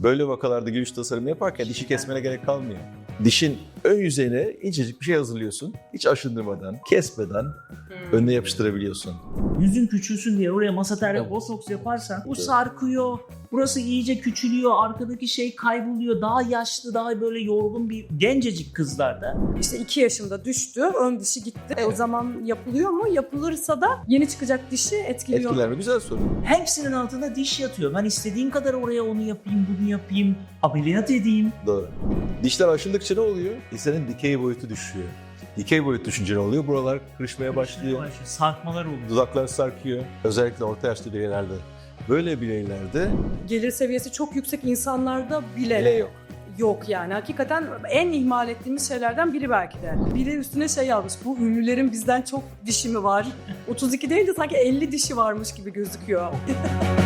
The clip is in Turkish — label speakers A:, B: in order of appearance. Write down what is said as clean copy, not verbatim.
A: Böyle vakalarda gülüş tasarımı yaparken dişi kesmene gerek kalmıyor. Dişin ön yüzeyine incecik bir şey hazırlıyorsun. Hiç aşındırmadan, kesmeden önüne yapıştırabiliyorsun.
B: Yüzün küçülsün diye oraya masaterde botoks yaparsan bu sarkıyor, burası iyice küçülüyor, arkadaki şey kayboluyor. Daha yaşlı, daha böyle yorgun bir gencecik kızlarda.
C: İşte 2 yaşında düştü, ön dişi gitti. O zaman yapılıyor mu? Yapılırsa da yeni çıkacak dişi etkiliyor.
A: Etkiler mi? Güzel soru.
B: Hepsinin altında diş yatıyor. Ben istediğim kadar oraya onu yapayım, bunu yapayım, ameliyat edeyim.
A: Doğru. Dişler aşındıkça ne oluyor? İnsanın dikey boyutu düşüyor. Dikey boyut düşünce ne oluyor? Buralar kırışmaya başlıyor.
B: Sarkmalar oluyor.
A: Dudaklar sarkıyor. Özellikle orta yaşlı bireylerde. Böyle bireylerde
C: Gelir seviyesi çok yüksek insanlarda
A: bile
C: bile
A: yok.
C: yok yani. Hakikaten en ihmal ettiğimiz şeylerden biri belki de. Biri üstüne şey yazmış, bu ünlülerin bizden çok dişi mi var? 32 değil de sanki 50 dişi varmış gibi gözüküyor.